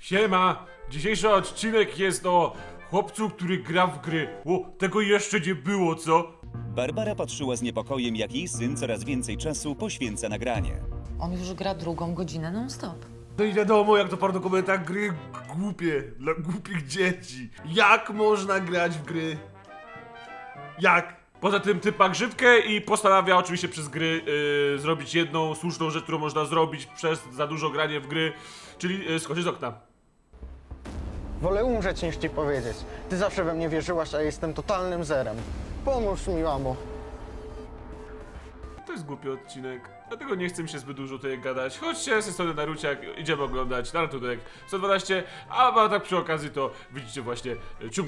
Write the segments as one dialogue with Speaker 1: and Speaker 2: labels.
Speaker 1: Siema! Dzisiejszy odcinek jest o chłopcu, który gra w gry. O, tego jeszcze nie było, co?
Speaker 2: Barbara patrzyła z niepokojem, jak jej syn coraz więcej czasu poświęca na granie.
Speaker 3: On już gra drugą godzinę non-stop.
Speaker 1: No i wiadomo, jak to par dokumentach gry głupie, dla głupich dzieci. Jak można grać w gry? Jak? Poza tym typ ma grzywkę i postanawia oczywiście przez gry zrobić jedną słuszną rzecz, którą można zrobić przez za dużo granie w gry, czyli skoczyć z okna.
Speaker 4: Wolę umrzeć niż ci powiedzieć. Ty zawsze we mnie wierzyłaś, a ja jestem totalnym zerem. Pomóż mi, mamo.
Speaker 1: To jest głupi odcinek, dlatego nie chcę mi się zbyt dużo tutaj gadać. Chodźcie ze strony Naruciak, idziemy oglądać Naruto-dek 112, a tak przy okazji to widzicie właśnie ciąg.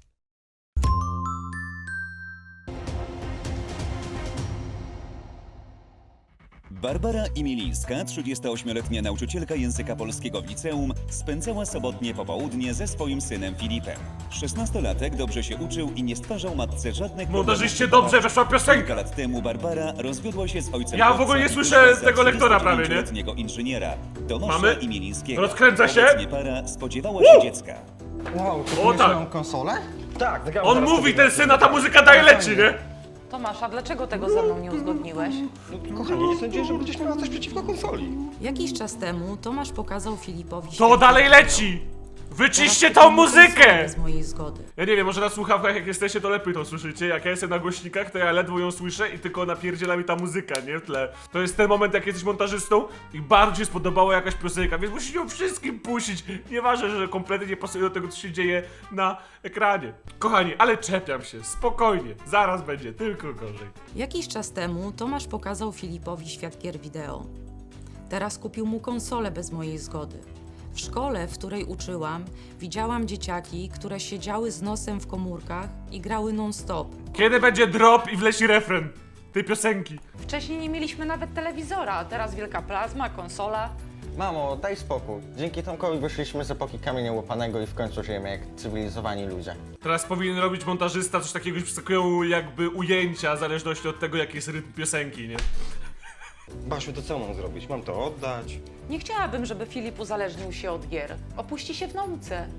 Speaker 2: Barbara Imilińska, 38-letnia nauczycielka języka polskiego w liceum, spędzała sobotnie popołudnie ze swoim synem Filipem. 16-latek dobrze się uczył i nie stwarzał matce żadnych
Speaker 1: Montażyście
Speaker 2: problemów.
Speaker 1: dobrze, weszła
Speaker 2: Kilka
Speaker 1: piosenka!
Speaker 2: lat temu Barbara rozwiodła się z ojcem.
Speaker 1: Ja w ogóle nie słyszę tego lektora prawie, nie?
Speaker 2: 29-letniego inżyniera Tomasza
Speaker 1: Mamy?
Speaker 2: Imilińskiego.
Speaker 1: Rozkręca się?
Speaker 2: Obecnie para spodziewała się dziecka.
Speaker 4: Wow, ty
Speaker 1: O,
Speaker 4: kupisz
Speaker 1: tak.
Speaker 4: moją konsolę? Tak, zagram
Speaker 1: On
Speaker 4: zaraz
Speaker 1: mówi,
Speaker 4: sobie.
Speaker 1: ten syn, a ta muzyka daje leci, nie?
Speaker 3: Tomasza, dlaczego tego ze mną nie uzgodniłeś?
Speaker 5: No, kochanie, nie sądziłem, że będziesz miała coś przeciwko konsoli.
Speaker 3: Jakiś czas temu Tomasz pokazał Filipowi
Speaker 1: To
Speaker 3: świetny
Speaker 1: dalej
Speaker 3: wideo.
Speaker 1: leci! Wyciście
Speaker 3: Teraz
Speaker 1: tą
Speaker 3: kupił mu konsolę
Speaker 1: muzykę!
Speaker 3: bez mojej zgody.
Speaker 1: Ja nie wiem, może na słuchawkach jak jesteście, to lepiej to słyszycie. Jak ja jestem na głośnikach, to ja ledwo ją słyszę i tylko napierdziela mi ta muzyka, nie? W tle. To jest ten moment, jak jesteś montażystą i bardzo ci się spodobała jakaś piosenka, więc musisz ją wszystkim puścić. Nieważne, że kompletnie nie pasuje do tego, co się dzieje na ekranie. Kochani, ale czepiam się, spokojnie. Zaraz będzie tylko gorzej.
Speaker 3: Jakiś czas temu Tomasz pokazał Filipowi świat gier wideo. Teraz kupił mu konsolę bez mojej zgody. W szkole, w której uczyłam, widziałam dzieciaki, które siedziały z nosem w komórkach i grały non-stop.
Speaker 1: Kiedy będzie drop i wleci refren tej piosenki?
Speaker 6: Wcześniej nie mieliśmy nawet telewizora, a teraz wielka plazma, konsola.
Speaker 4: Mamo, daj spokój. Dzięki Tomkowi wyszliśmy z epoki kamienia łopanego i w końcu żyjemy jak cywilizowani ludzie.
Speaker 1: Teraz powinien robić montażysta coś takiego, że przyskakują jakby ujęcia w zależności od tego, jaki jest rytm piosenki, nie?
Speaker 5: Basiu, to co mam zrobić? Mam to oddać?
Speaker 6: Nie chciałabym, żeby Filip uzależnił się od gier. Opuści się w nauce.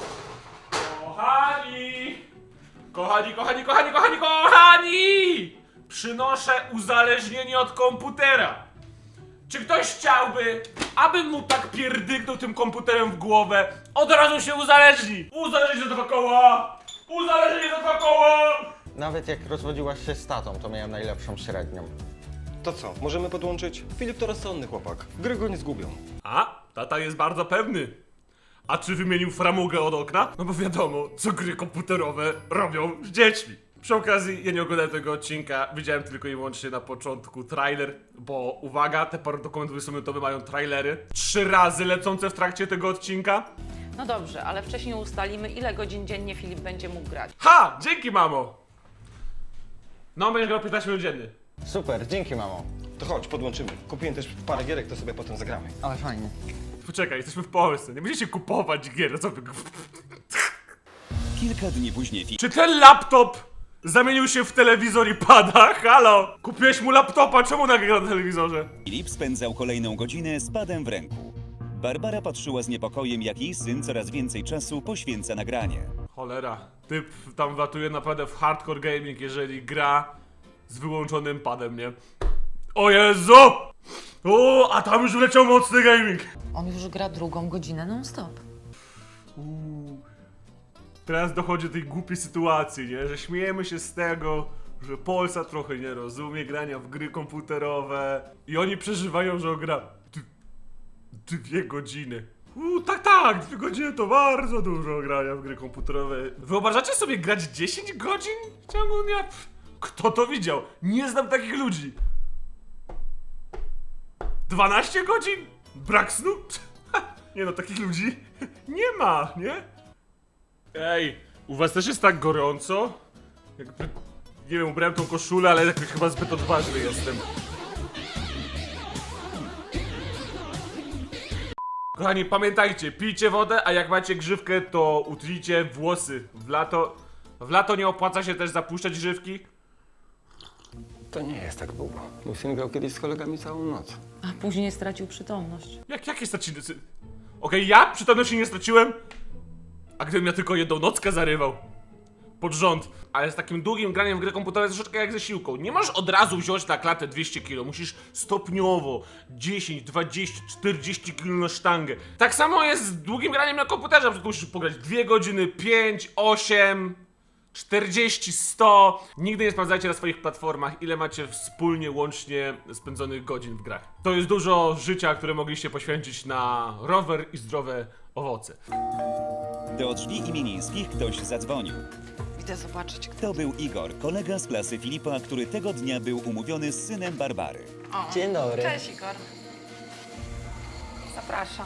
Speaker 1: Kochani! Kochani, kochani, kochani, kochani, kochani! Przynoszę uzależnienie od komputera. Czy ktoś chciałby, abym mu tak pierdyknął tym komputerem w głowę? Od razu się uzależni! Uzależnienie za dwa koła! Uzależnienie za dwa koła!
Speaker 4: Nawet jak rozwodziłaś się z tatą, to miałem najlepszą średnią.
Speaker 5: To co, możemy podłączyć? Filip to rozsądny chłopak. Gry go nie zgubią.
Speaker 1: A, tata jest bardzo pewny. A czy wymienił framugę od okna? No bo wiadomo, co gry komputerowe robią z dziećmi. Przy okazji, ja nie oglądałem tego odcinka, widziałem tylko i wyłącznie na początku trailer, bo uwaga, te parę dokumentów 20-minutowe mają trailery 3 razy lecące w trakcie tego odcinka.
Speaker 6: No dobrze, ale wcześniej ustalimy, ile godzin dziennie Filip będzie mógł grać.
Speaker 1: Ha! Dzięki, mamo! No, będziesz grał 15 minut dziennie.
Speaker 4: Super, dzięki, mamo.
Speaker 5: To chodź, podłączymy. Kupiłem też parę gierek, to sobie potem zagramy.
Speaker 4: Ale fajnie.
Speaker 1: Poczekaj, jesteśmy w Polsce, nie będziecie kupować gier, co wy...
Speaker 2: Kilka dni później
Speaker 1: Czy ten laptop zamienił się w telewizor i pada? Halo! Kupiłeś mu laptopa, czemu nagra na telewizorze?
Speaker 2: Filip spędzał kolejną godzinę z padem w ręku. Barbara patrzyła z niepokojem, jak jej syn coraz więcej czasu poświęca na granie.
Speaker 1: Cholera, typ tam wlatuje naprawdę w hardcore gaming, jeżeli gra z wyłączonym padem, nie? O Jezu! O, a tam już leciał mocny gaming!
Speaker 3: On już gra drugą godzinę non-stop.
Speaker 1: Teraz dochodzi do tej głupiej sytuacji, nie? Że śmiejemy się z tego, że Polsat trochę nie rozumie grania w gry komputerowe i oni przeżywają, że on gra 2 godziny. Tak, 2 godziny to bardzo dużo grania w gry komputerowe. Wyobrażacie sobie grać 10 godzin w ciągu dnia? Kto to widział? Nie znam takich ludzi. 12 godzin? Brak snu? Nie no, takich ludzi nie ma, nie? Ej, u was też jest tak gorąco? Jakby, nie wiem, ubrałem tą koszulę, ale jakoś chyba zbyt odważny jestem. Kochani, pamiętajcie, pijcie wodę, a jak macie grzywkę, to utlijcie włosy. W lato nie opłaca się też zapuszczać grzywki.
Speaker 5: To nie jest tak długo. Mój syn grał kiedyś z kolegami całą noc.
Speaker 3: A później stracił przytomność.
Speaker 1: Jakie straciny? Okej, ja przytomności nie straciłem, a gdybym ja tylko jedną nockę zarywał. Pod rząd. Ale z takim długim graniem w gry komputerowe troszeczkę jak ze siłką. Nie możesz od razu wziąć na klatę 200 kg. Musisz stopniowo 10, 20, 40 kg na sztangę. Tak samo jest z długim graniem na komputerze. Na przykład musisz pograć 2 godziny, 5, 8, 40, 100. Nigdy nie sprawdzajcie na swoich platformach, ile macie wspólnie, łącznie spędzonych godzin w grach. To jest dużo życia, które mogliście poświęcić na rower i zdrowe owoce.
Speaker 2: Do drzwi imienińskich ktoś zadzwonił.
Speaker 6: Idę zobaczyć.
Speaker 2: To był Igor, kolega z klasy Filipa, który tego dnia był umówiony z synem Barbary.
Speaker 6: O.
Speaker 4: Dzień dobry.
Speaker 6: Cześć, Igor. Zapraszam.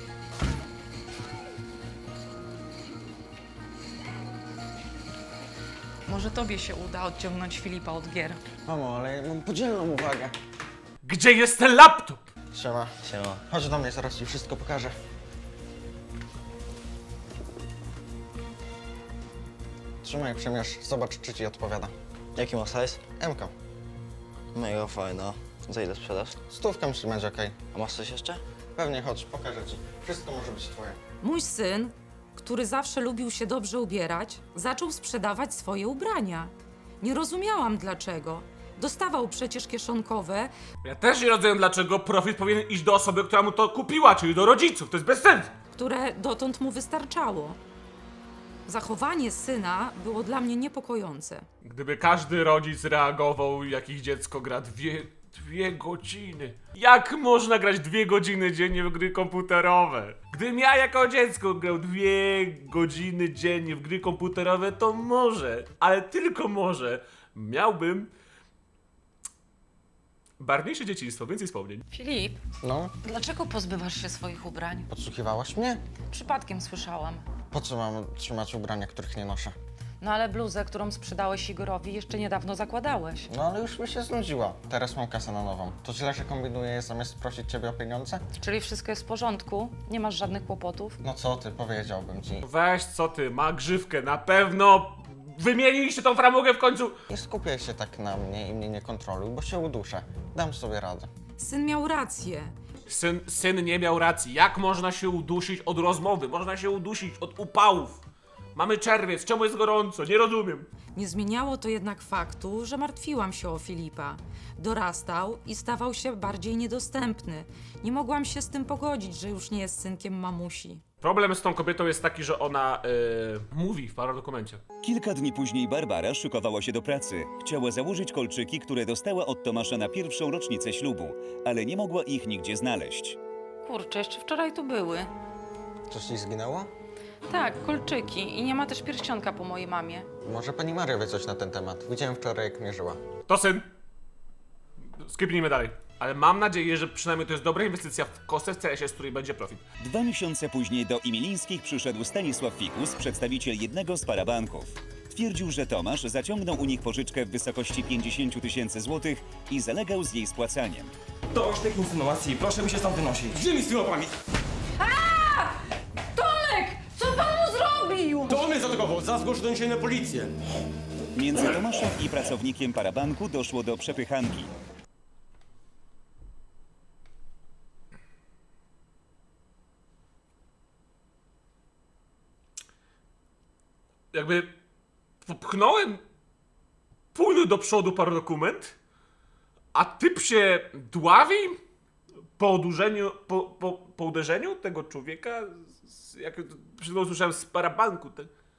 Speaker 6: Może tobie się uda odciągnąć Filipa od gier.
Speaker 4: Mamo, ale ja mam podzielną uwagę.
Speaker 1: Gdzie jest ten laptop?
Speaker 4: Siema.
Speaker 5: Siema.
Speaker 4: Chodź do mnie, zaraz ci wszystko pokażę. Trzymaj, przymierz, zobacz, czy ci odpowiada.
Speaker 7: Jaki ma size?
Speaker 4: MK.
Speaker 7: Mega fajna. Za ile sprzedasz?
Speaker 4: 100 myśli będzie okej.
Speaker 7: A masz coś jeszcze?
Speaker 4: Pewnie, chodź, pokażę ci. Wszystko może być twoje.
Speaker 3: Mój syn, który zawsze lubił się dobrze ubierać, zaczął sprzedawać swoje ubrania. Nie rozumiałam dlaczego. Dostawał przecież kieszonkowe,
Speaker 1: Ja też nie rozumiem, dlaczego profit powinien iść do osoby, która mu to kupiła, czyli do rodziców. To jest bez sensu.
Speaker 3: które dotąd mu wystarczało. Zachowanie syna było dla mnie niepokojące.
Speaker 1: Gdyby każdy rodzic reagował, jak ich dziecko gra dwie godziny. Jak można grać 2 godziny dziennie w gry komputerowe? Gdybym ja jako dziecko grał 2 godziny dziennie w gry komputerowe, to może, ale tylko może, miałbym barwniejsze dzieciństwo, więcej wspomnień.
Speaker 6: Filip,
Speaker 4: No,
Speaker 6: dlaczego pozbywasz się swoich ubrań?
Speaker 4: podsłuchiwałaś mnie?
Speaker 6: Przypadkiem słyszałam.
Speaker 4: Po co mam trzymać ubrania, których nie noszę?
Speaker 6: No ale bluzę, którą sprzedałeś Igorowi, jeszcze niedawno zakładałeś.
Speaker 4: No ale już mi się znudziła. Teraz mam kasę na nową. To źle, że kombinuję zamiast prosić ciebie o pieniądze?
Speaker 6: Czyli wszystko jest w porządku? Nie masz żadnych kłopotów?
Speaker 4: No co ty, powiedziałbym ci.
Speaker 1: Weź, co ty, ma grzywkę, na pewno wymieniliście tą framugę w końcu.
Speaker 4: Nie skupiaj się tak na mnie i mnie nie kontroluj, bo się uduszę. Dam sobie radę.
Speaker 3: Syn miał rację.
Speaker 1: Syn nie miał racji. Jak można się udusić od rozmowy? Można się udusić od upałów. Mamy czerwiec, czemu jest gorąco? Nie rozumiem.
Speaker 3: Nie zmieniało to jednak faktu, że martwiłam się o Filipa. Dorastał i stawał się bardziej niedostępny. Nie mogłam się z tym pogodzić, że już nie jest synkiem mamusi.
Speaker 1: Problem z tą kobietą jest taki, że ona mówi w paradokumencie.
Speaker 2: Kilka dni później Barbara szykowała się do pracy. Chciała założyć kolczyki, które dostała od Tomasza na pierwszą rocznicę ślubu, ale nie mogła ich nigdzie znaleźć.
Speaker 6: Kurczę, jeszcze wczoraj tu były.
Speaker 4: Coś ci zginęło?
Speaker 6: Tak, kolczyki i nie ma też pierścionka po mojej mamie.
Speaker 4: Może pani Maria wie coś na ten temat. Widziałem wczoraj, jak mierzyła.
Speaker 1: To syn. Skipnijmy dalej. Ale mam nadzieję, że przynajmniej to jest dobra inwestycja w kosę w CS-ie, z której będzie profit.
Speaker 2: 2 miesiące później do Imielińskich przyszedł Stanisław Fikus, przedstawiciel jednego z parabanków. Twierdził, że Tomasz zaciągnął u nich pożyczkę w wysokości 50 000 złotych i zalegał z jej spłacaniem.
Speaker 8: Dość tych insynuacji, proszę mi się stąd wynosić. Gdzie mi z tymi łapami?
Speaker 6: Tomek! Co pan mu zrobił?
Speaker 8: To on mnie zaatakował, za zgłoszę doniesienie na policję.
Speaker 2: Między Tomaszem i pracownikiem parabanku doszło do przepychanki.
Speaker 1: Jakby popchnąłem pół do przodu paradokument, a typ się dławi po uderzeniu tego człowieka, jak przed chwilą słyszałem z parabanku.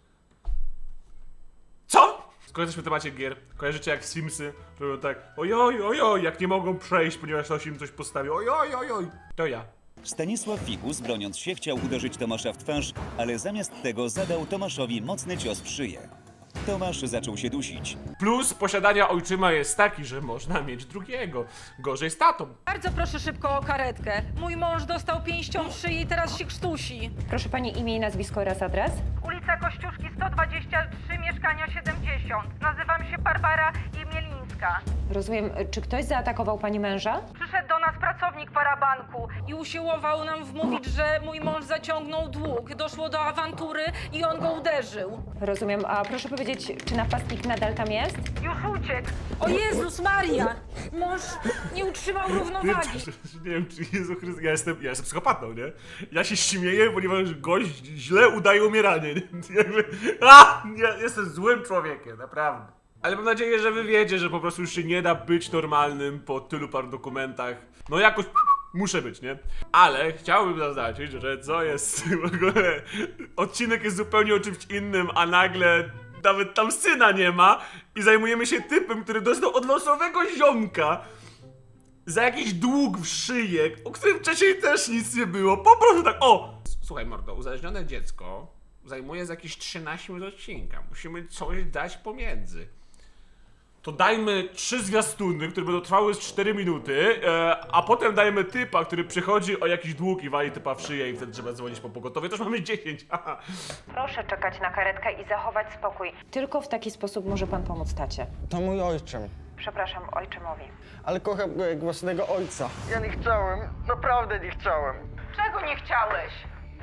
Speaker 1: Co? Skoro jesteśmy w temacie gier, kojarzycie jak Simsy robią tak ojoj, ojoj, jak nie mogą przejść, ponieważ ktoś im coś postawił, ojoj, ojoj, to ja.
Speaker 2: Stanisław Fikus, broniąc się, chciał uderzyć Tomasza w twarz, ale zamiast tego zadał Tomaszowi mocny cios w szyję. Tomasz zaczął się dusić.
Speaker 1: Plus posiadania ojczyma jest taki, że można mieć drugiego. Gorzej z tatą.
Speaker 6: Bardzo proszę szybko o karetkę. Mój mąż dostał pięścią w szyi i teraz się krztusi.
Speaker 9: Proszę pani imię i nazwisko oraz adres?
Speaker 10: Ulica Kościuszki 123, mieszkania 70. Nazywam się Barbara Imielińska.
Speaker 6: Karetka.
Speaker 9: Rozumiem, czy ktoś zaatakował pani męża?
Speaker 6: Przyszedł do nas pracownik parabanku i usiłował nam wmówić, że mój mąż zaciągnął dług. Doszło do awantury i on go uderzył.
Speaker 9: Rozumiem, a proszę powiedzieć, czy napastnik nadal tam jest?
Speaker 6: Już uciekł. O Jezus Maria! Mąż nie utrzymał równowagi.
Speaker 1: Nie wiem, czy Jezu Chryste... Ja jestem psychopatą, nie? Ja się śmieję, ponieważ gość źle udaje umieranie, nie? Jakby... Ja jestem złym człowiekiem, naprawdę. Ale mam nadzieję, że wy wiecie, że po prostu już się nie da być normalnym po tylu par dokumentach. No jakoś muszę być, nie? Ale chciałbym zaznaczyć, że co jest w ogóle... Odcinek jest zupełnie o czymś innym, a nagle nawet tam syna nie ma i zajmujemy się typem, który dostał od losowego ziomka za jakiś dług w szyję, o którym wcześniej też nic nie było. Po prostu tak, o! Słuchaj mordo, uzależnione dziecko zajmuje z jakieś 13 minut odcinka. Musimy coś dać pomiędzy. To dajmy 3 zwiastuny, które będą trwały z 4 minuty, a potem dajmy typa, który przychodzi o jakiś dług i wali typa w szyję i wtedy trzeba dzwonić po pogotowie. To już mamy 10. Haha.
Speaker 9: Proszę czekać na karetkę i zachować spokój. Tylko w taki sposób może pan pomóc tacie.
Speaker 4: To mój ojczym,
Speaker 9: Przepraszam ojczymowi.
Speaker 4: ale kocham go jak własnego ojca. Ja nie chciałem, naprawdę nie chciałem.
Speaker 6: Czego nie chciałeś?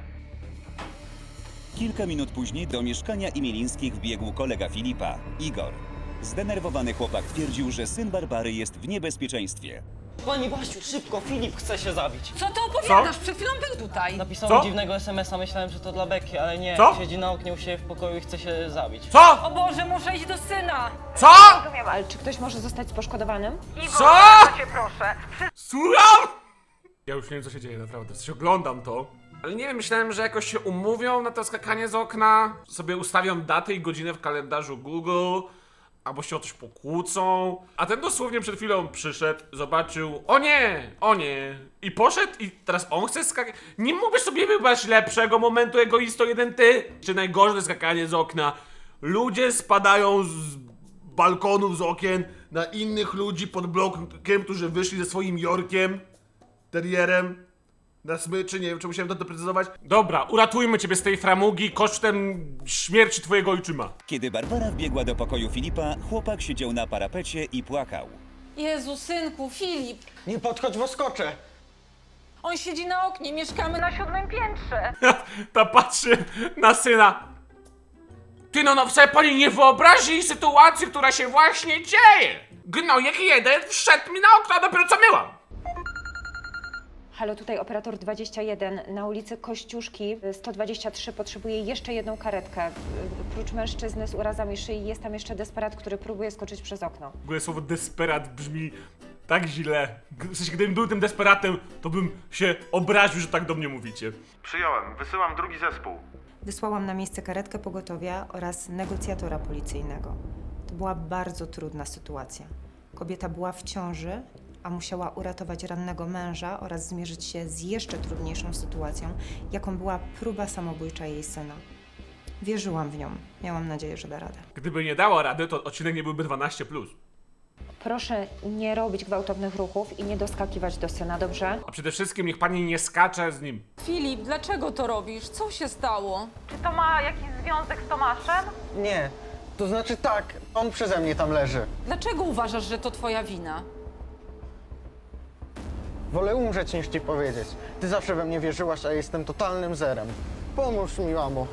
Speaker 2: Kilka minut później do mieszkania Imielińskich wbiegł kolega Filipa, Igor. Zdenerwowany chłopak twierdził, że syn Barbary jest w niebezpieczeństwie.
Speaker 7: Pani Basiu, szybko, Filip chce się zabić.
Speaker 6: Co ty opowiadasz? Przed chwilą był tutaj.
Speaker 7: Napisał
Speaker 1: Co?
Speaker 7: mi dziwnego SMS-a, myślałem, że to dla Beki, ale nie.
Speaker 1: Co?
Speaker 7: Siedzi na oknie u siebie w pokoju i chce się zabić.
Speaker 1: Co?
Speaker 6: O Boże, muszę iść do syna.
Speaker 1: Co?
Speaker 9: Rozumiem, ale czy ktoś może zostać poszkodowanym?
Speaker 6: Igor,
Speaker 1: Co?
Speaker 6: bardzo cię proszę.
Speaker 1: Słucham? Ja już nie wiem, co się dzieje, naprawdę. W sensie oglądam to. Ale nie wiem, myślałem, że jakoś się umówią na to skakanie z okna, sobie ustawią datę i godzinę w kalendarzu Google, albo się o coś pokłócą. A ten dosłownie przed chwilą przyszedł, zobaczył, o nie, i poszedł i teraz on chce skakać. Nie mógłbyś sobie wybrać lepszego momentu, egoisto, jeden ty? Czy najgorsze skakanie z okna? Ludzie spadają z balkonów, z okien na innych ludzi pod blokiem, którzy wyszli ze swoim Yorkiem, terrierem, na smyczy, nie wiem, czy musiałem to doprecyzować. Dobra, uratujmy ciebie z tej framugi kosztem śmierci twojego ojczyma.
Speaker 2: Kiedy Barbara wbiegła do pokoju Filipa, chłopak siedział na parapecie i płakał.
Speaker 6: Jezu, synku, Filip.
Speaker 4: Nie podchodź, bo skoczę.
Speaker 6: On siedzi na oknie, mieszkamy na 7. piętrze.
Speaker 1: Ta patrzy na syna. Ty no sobie pani nie wyobrazi sytuacji, która się właśnie dzieje. Gnojek jeden wszedł mi na okno, a dopiero co myłam.
Speaker 9: Halo, tutaj operator 21 na ulicy Kościuszki 123 potrzebuje jeszcze jedną karetkę. Prócz mężczyzny z urazami szyi jest tam jeszcze desperat, który próbuje skoczyć przez okno.
Speaker 1: W ogóle słowo desperat brzmi tak źle. W sensie, gdybym był tym desperatem, to bym się obraził, że tak do mnie mówicie.
Speaker 10: Przyjąłem. Wysyłam drugi zespół.
Speaker 11: Wysłałam na miejsce karetkę pogotowia oraz negocjatora policyjnego. To była bardzo trudna sytuacja. Kobieta była w ciąży, a musiała uratować rannego męża oraz zmierzyć się z jeszcze trudniejszą sytuacją, jaką była próba samobójcza jej syna. Wierzyłam w nią. Miałam nadzieję, że da radę.
Speaker 1: Gdyby nie dała rady, to odcinek nie byłby 12+.
Speaker 9: Proszę nie robić gwałtownych ruchów i nie doskakiwać do syna, dobrze?
Speaker 1: A przede wszystkim niech pani nie skacze z nim.
Speaker 3: Filip, dlaczego to robisz? Co się stało?
Speaker 6: Czy to ma jakiś związek z Tomaszem?
Speaker 4: Nie, to znaczy tak, on przeze mnie tam leży.
Speaker 3: Dlaczego uważasz, że to twoja wina?
Speaker 4: Wolę umrzeć niż ci powiedzieć. Ty zawsze we mnie wierzyłaś, a jestem totalnym zerem. Pomóż mi, mamo.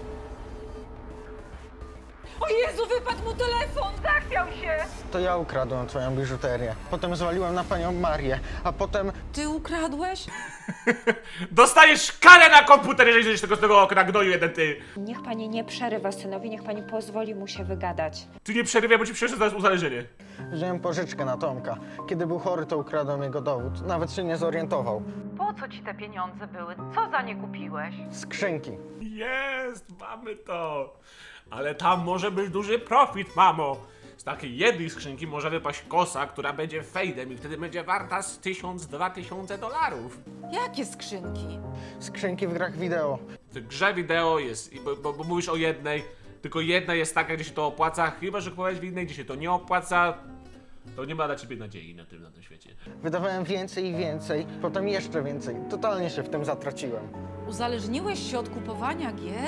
Speaker 6: O Jezu, wypadł mu telefon! Zachwiał się!
Speaker 4: To ja ukradłem twoją biżuterię. Potem zwaliłem na panią Marię, a potem...
Speaker 3: Ty ukradłeś?
Speaker 1: Dostajesz karę na komputer, jeżeli zejdziesz tego z tego okna, gnoju jeden ty.
Speaker 9: Niech pani nie przerywa synowi, niech pani pozwoli mu się wygadać.
Speaker 1: Ty nie przerywaj, bo ci przyniosę zaraz uzależnienie.
Speaker 4: Wziąłem pożyczkę na Tomka. Kiedy był chory, to ukradłem jego dowód. Nawet się nie zorientował.
Speaker 6: Po co ci te pieniądze były? Co za nie kupiłeś?
Speaker 4: Skrzynki.
Speaker 1: Jest, mamy to. Ale tam może być duży profit, mamo. Z takiej jednej skrzynki może wypaść kosa, która będzie fejdem i wtedy będzie warta z 1000–2000 dolarów.
Speaker 3: Jakie skrzynki?
Speaker 4: Skrzynki w grach wideo.
Speaker 1: W grze wideo jest, bo mówisz o jednej, tylko jedna jest taka, gdzie się to opłaca, chyba że kupowałeś w innej, gdzie się to nie opłaca, to nie ma dla ciebie nadziei na tym świecie.
Speaker 4: Wydawałem więcej i więcej, potem jeszcze więcej. Totalnie się w tym zatraciłem.
Speaker 3: Uzależniłeś się od kupowania gier?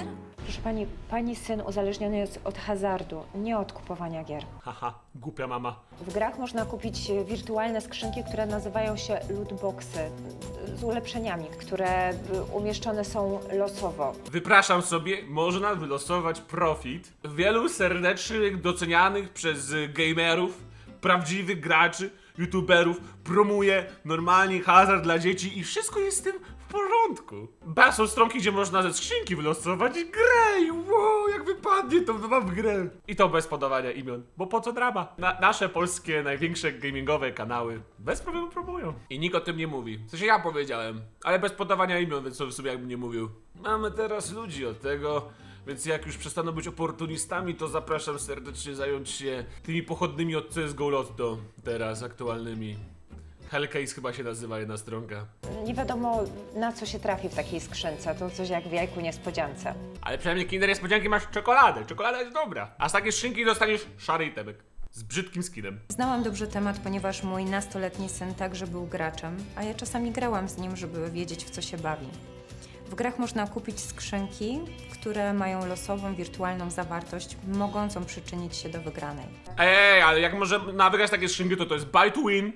Speaker 9: Proszę pani, pani syn uzależniony jest od hazardu, nie od kupowania gier.
Speaker 1: Haha, głupia mama.
Speaker 9: W grach można kupić wirtualne skrzynki, które nazywają się lootboxy, z ulepszeniami, które umieszczone są losowo.
Speaker 1: Wypraszam sobie, można wylosować profit wielu serdecznych, docenianych przez gamerów, prawdziwych graczy, youtuberów, promuje normalnie hazard dla dzieci i wszystko jest z tym w porządku. Ba, są stronki, gdzie można ze skrzynki wylosować grę i wow, jak wypadnie, to mam w grę. I to bez podawania imion, bo po co drama? Nasze polskie, największe gamingowe kanały bez problemu promują. I nikt o tym nie mówi. W sensie ja powiedziałem, ale bez podawania imion, więc to w sumie jakbym nie mówił. Mamy teraz ludzi od tego, więc jak już przestaną być oportunistami, to zapraszam serdecznie zająć się tymi pochodnymi od CSGO Lotto, teraz aktualnymi. Hellcase chyba się nazywa jedna stronka.
Speaker 9: Nie wiadomo, na co się trafi w takiej skrzynce, to coś jak w jajku niespodziance.
Speaker 1: Ale przynajmniej Kinder Niespodzianki masz czekoladę. Czekolada jest dobra. A z takiej szynki dostaniesz szary itemek. Z brzydkim skinem.
Speaker 11: Znałam dobrze temat, ponieważ mój nastoletni syn także był graczem, a ja czasami grałam z nim, żeby wiedzieć, w co się bawi. W grach można kupić skrzynki, które mają losową, wirtualną zawartość, mogącą przyczynić się do wygranej.
Speaker 1: Ej, ale jak można wygrać takie skrzynki, to jest buy to win.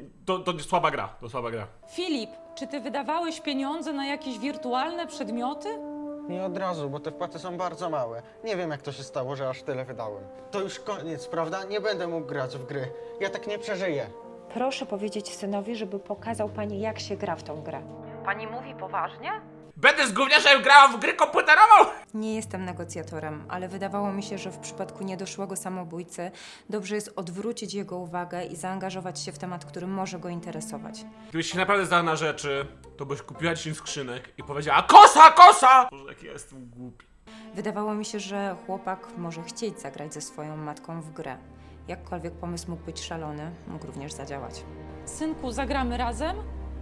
Speaker 1: To jest słaba gra. To słaba gra.
Speaker 3: Filip, czy ty wydawałeś pieniądze na jakieś wirtualne przedmioty?
Speaker 4: Nie od razu, bo te wpłaty są bardzo małe. Nie wiem, jak to się stało, że aż tyle wydałem. To już koniec, prawda? Nie będę mógł grać w gry. Ja tak nie przeżyję.
Speaker 9: Proszę powiedzieć synowi, żeby pokazał pani, jak się gra w tą grę.
Speaker 6: Pani mówi poważnie?
Speaker 1: Będę z gówniarzem grała w grę komputerową!
Speaker 11: Nie jestem negocjatorem, ale wydawało mi się, że w przypadku niedoszłego samobójcy dobrze jest odwrócić jego uwagę i zaangażować się w temat, który może go interesować.
Speaker 1: Gdybyś się naprawdę zdała na rzeczy, to byś kupiła 10 skrzynek i powiedziała kosa, kosa! Boże, jak ja jestem głupi.
Speaker 11: Wydawało mi się, że chłopak może chcieć zagrać ze swoją matką w grę. Jakkolwiek pomysł mógł być szalony, mógł również zadziałać.
Speaker 3: Synku, zagramy razem?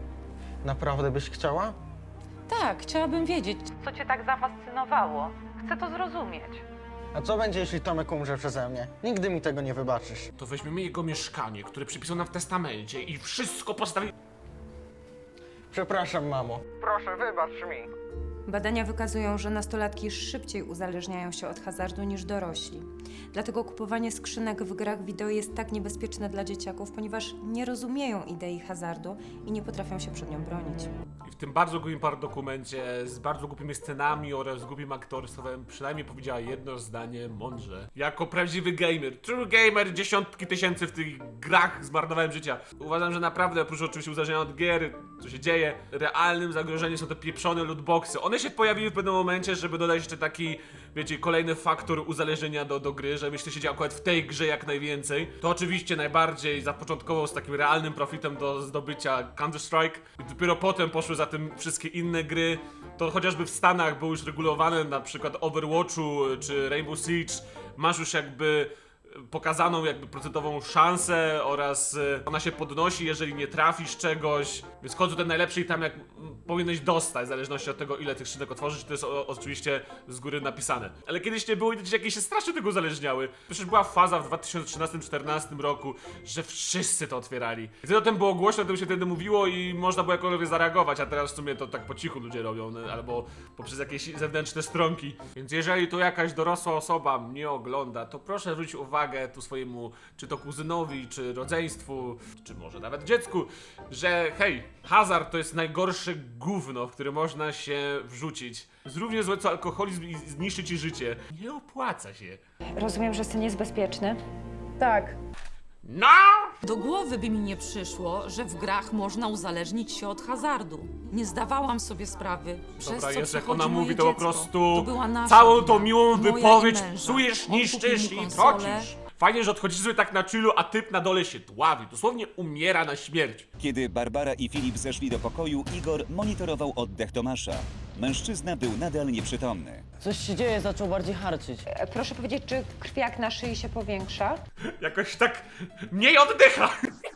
Speaker 4: Naprawdę byś chciała?
Speaker 3: Tak, chciałabym wiedzieć.
Speaker 6: Co cię tak zafascynowało? Chcę to zrozumieć.
Speaker 4: A co będzie, jeśli Tomek umrze przeze mnie? Nigdy mi tego nie wybaczysz.
Speaker 1: To weźmiemy jego mieszkanie, które przypisał nam w testamencie i wszystko postawi...
Speaker 4: Przepraszam, mamo. Proszę, wybacz mi.
Speaker 11: Badania wykazują, że nastolatki szybciej uzależniają się od hazardu niż dorośli. Dlatego kupowanie skrzynek w grach wideo jest tak niebezpieczne dla dzieciaków, ponieważ nie rozumieją idei hazardu i nie potrafią się przed nią bronić.
Speaker 1: I w tym bardzo głupim dokumencie z bardzo głupimi scenami oraz głupim aktorstwem przynajmniej powiedziała jedno zdanie mądrze. Jako prawdziwy gamer, true gamer, dziesiątki tysięcy w tych grach zmarnowałem życia. Uważam, że naprawdę oprócz oczywiście uzależnienia od gier, co się dzieje, realnym zagrożeniem są te pieprzone lootboxy. One się pojawiły w pewnym momencie, żeby dodać jeszcze taki, wiecie, kolejny faktor uzależnienia do gry, że myślę, się dzieje akurat w tej grze jak najwięcej. To oczywiście najbardziej zapoczątkował z takim realnym profitem do zdobycia Counter-Strike i dopiero potem poszły za tym wszystkie inne gry. To chociażby w Stanach było już regulowane, na przykład Overwatchu czy Rainbow Siege. Masz już jakby pokazaną jakby procentową szansę oraz ona się podnosi, jeżeli nie trafisz czegoś. Więc chodzą ten najlepszy i tam jak powinieneś dostać, w zależności od tego, ile tych skrzynek otworzyć, to jest oczywiście z góry napisane. Ale kiedyś nie było i jakieś się strasznie tego uzależniały. Przecież była faza w 2013-2014 roku, że wszyscy to otwierali. I wtedy o tym było głośno, o tym się wtedy mówiło i można było jakkolwiek zareagować, a teraz w sumie to tak po cichu ludzie robią, albo poprzez jakieś zewnętrzne stronki. Więc jeżeli tu jakaś dorosła osoba mnie ogląda, to proszę zwrócić uwagę tu swojemu, czy to kuzynowi, czy rodzeństwu, czy może nawet dziecku, że hej, hazard to jest najgorsze gówno, w które można się wrzucić. Jest równie złe co alkoholizm i zniszczy ci życie. Nie opłaca się.
Speaker 9: Rozumiem, że syn jest bezpieczny?
Speaker 6: Tak.
Speaker 1: No!
Speaker 3: Do głowy by mi nie przyszło, że w grach można uzależnić się od hazardu. Nie zdawałam sobie sprawy, przez
Speaker 1: Dobra,
Speaker 3: co
Speaker 1: jest jak
Speaker 3: przechodzi
Speaker 1: ona
Speaker 3: moje
Speaker 1: mówi, to po
Speaker 3: dziecko.
Speaker 1: prostu
Speaker 3: To była nasza
Speaker 1: całą
Speaker 3: wina.
Speaker 1: tą miłą
Speaker 3: Moja i
Speaker 1: wypowiedź
Speaker 3: męża.
Speaker 1: psujesz,
Speaker 3: On
Speaker 1: niszczysz
Speaker 3: kupił mi
Speaker 1: i
Speaker 3: konsolę.
Speaker 1: trocisz. Fajnie, że odchodzisz sobie tak na chillu, a typ na dole się dławi. Dosłownie umiera na śmierć.
Speaker 2: Kiedy Barbara i Filip zeszli do pokoju, Igor monitorował oddech Tomasza. Mężczyzna był nadal nieprzytomny.
Speaker 7: Coś się dzieje, zaczął bardziej harczyć.
Speaker 9: Proszę powiedzieć, czy krwiak na szyi się powiększa?
Speaker 1: Jakoś tak mniej oddycha.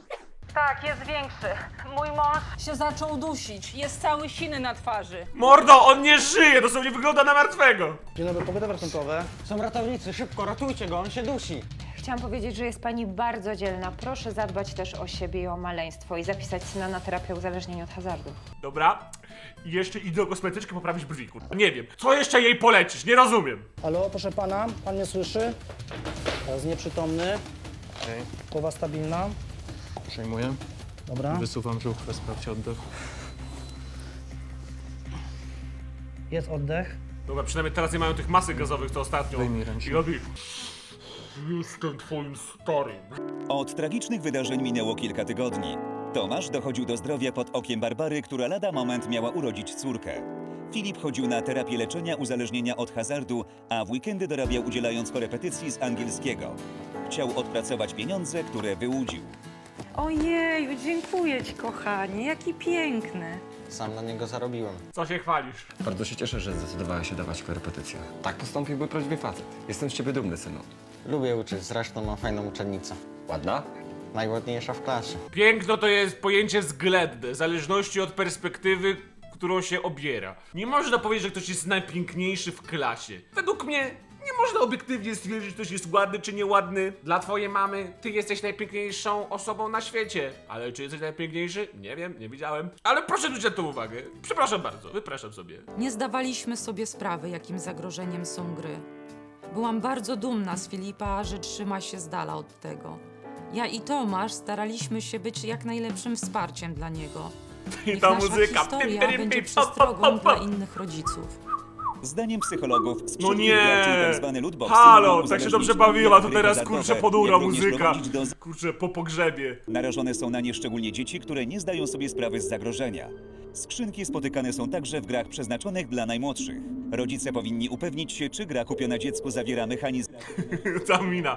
Speaker 6: Tak, jest większy. Mój mąż się zaczął dusić. Jest cały siny na twarzy.
Speaker 1: Mordo, on nie żyje, dosłownie wygląda na martwego.
Speaker 4: Dzień dobry, pogoda ratunkowe. Są ratownicy, szybko, ratujcie go, on się dusi.
Speaker 9: Chciałam powiedzieć, że jest pani bardzo dzielna. Proszę zadbać też o siebie i o maleństwo i zapisać syna na terapię uzależnienia od hazardu.
Speaker 1: Dobra. I jeszcze idę do kosmetyczki poprawić brwi, kurwa. Nie wiem. Co jeszcze jej polecisz? Nie rozumiem.
Speaker 7: Halo, proszę pana, pan mnie słyszy? Teraz nieprzytomny. Głowa stabilna.
Speaker 5: Przejmuję.
Speaker 7: Dobra.
Speaker 8: Wysuwam żuchwę, sprawdź oddech.
Speaker 7: Jest oddech.
Speaker 1: Dobra, przynajmniej teraz nie mają tych masek gazowych, co ostatnio.
Speaker 8: Wyjmij ręcznik.
Speaker 1: I robi... Jestem twoim starym.
Speaker 2: Od tragicznych wydarzeń minęło kilka tygodni. Tomasz dochodził do zdrowia pod okiem Barbary, która lada moment miała urodzić córkę. Filip chodził na terapię leczenia uzależnienia od hazardu, a w weekendy dorabiał udzielając korepetycji z angielskiego. Chciał odpracować pieniądze, które wyłudził.
Speaker 6: Ojeju, dziękuję ci, kochanie, jaki piękny.
Speaker 4: Sam na niego zarobiłem.
Speaker 1: Co się chwalisz?
Speaker 5: Bardzo się cieszę, że zdecydowałeś się dawać korepetycje. Tak postąpiłby prawdziwy facet. Jestem z ciebie dumny, synu.
Speaker 4: Lubię uczyć, zresztą mam fajną uczennicę.
Speaker 5: Ładna?
Speaker 4: Najładniejsza w klasie.
Speaker 1: Piękno to jest pojęcie względne, w zależności od perspektywy, którą się obiera. Nie można powiedzieć, że ktoś jest najpiękniejszy w klasie. Według mnie nie można obiektywnie stwierdzić, że ktoś jest ładny czy nieładny. Dla twojej mamy ty jesteś najpiękniejszą osobą na świecie. Ale czy jesteś najpiękniejszy? Nie wiem, nie widziałem. Ale proszę zwrócić na to uwagę. Przepraszam bardzo, wypraszam sobie.
Speaker 3: Nie zdawaliśmy sobie sprawy, jakim zagrożeniem są gry. Byłam bardzo dumna z Filipa, że trzyma się z dala od tego. Ja i Tomasz staraliśmy się być jak najlepszym wsparciem dla niego.
Speaker 1: I
Speaker 3: Niech
Speaker 1: ta
Speaker 3: nasza
Speaker 1: muzyka.
Speaker 3: historia będzie przestrogą dla innych rodziców.
Speaker 2: Zdaniem psychologów
Speaker 1: No
Speaker 2: skrzydłych
Speaker 1: nie!
Speaker 2: graczy tak zwany lootboxy
Speaker 1: Halo,
Speaker 2: mogą
Speaker 1: tak się
Speaker 2: uzależnić
Speaker 1: dobrze bawiła, to
Speaker 2: gry
Speaker 1: teraz
Speaker 2: hazardowe,
Speaker 1: kurczę ponura
Speaker 2: jak również
Speaker 1: muzyka.
Speaker 2: prowadzić do
Speaker 1: Kurczę, po pogrzebie.
Speaker 2: Narażone są na nie szczególnie dzieci, które nie zdają sobie sprawy z zagrożenia. Skrzynki spotykane są także w grach przeznaczonych dla najmłodszych. Rodzice powinni upewnić się, czy gra kupiona dziecku zawiera mechanizm
Speaker 1: Ta mina.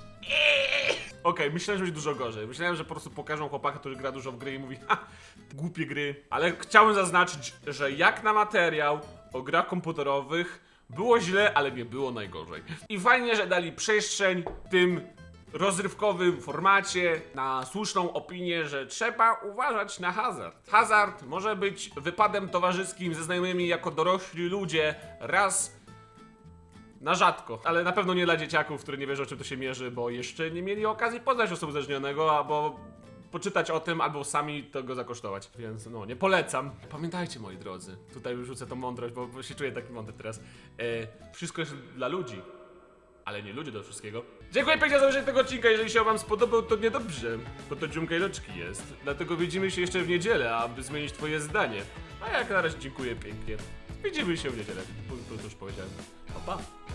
Speaker 1: Okej, myślałem, że będzie dużo gorzej. Myślałem, że po prostu pokażą chłopaka, który gra dużo w gry i mówi ha, głupie gry. Ale chciałem zaznaczyć, że jak na materiał o grach komputerowych było źle, ale nie było najgorzej. I fajnie, że dali przestrzeń tym rozrywkowym formacie na słuszną opinię, że trzeba uważać na hazard. Hazard może być wypadem towarzyskim ze znajomymi jako dorośli ludzie raz na rzadko, ale na pewno nie dla dzieciaków, które nie wiedzą, czym to się mierzy, bo jeszcze nie mieli okazji poznać osoby uzależnionego, albo poczytać o tym, albo sami tego zakosztować. Więc no, nie polecam. Pamiętajcie, moi drodzy, tutaj wyrzucę tą mądrość, bo się czuję taki mądry teraz. Wszystko jest dla ludzi, ale nie ludzie do wszystkiego. Dziękuję pięknie za obejrzenie tego odcinka. Jeżeli się wam spodobał, to niedobrze, bo to dziumka i loczki jest. Dlatego widzimy się jeszcze w niedzielę, aby zmienić twoje zdanie. A jak na razie dziękuję pięknie. Widzimy się w niedzielę, to już powiedziałem. Pa, pa.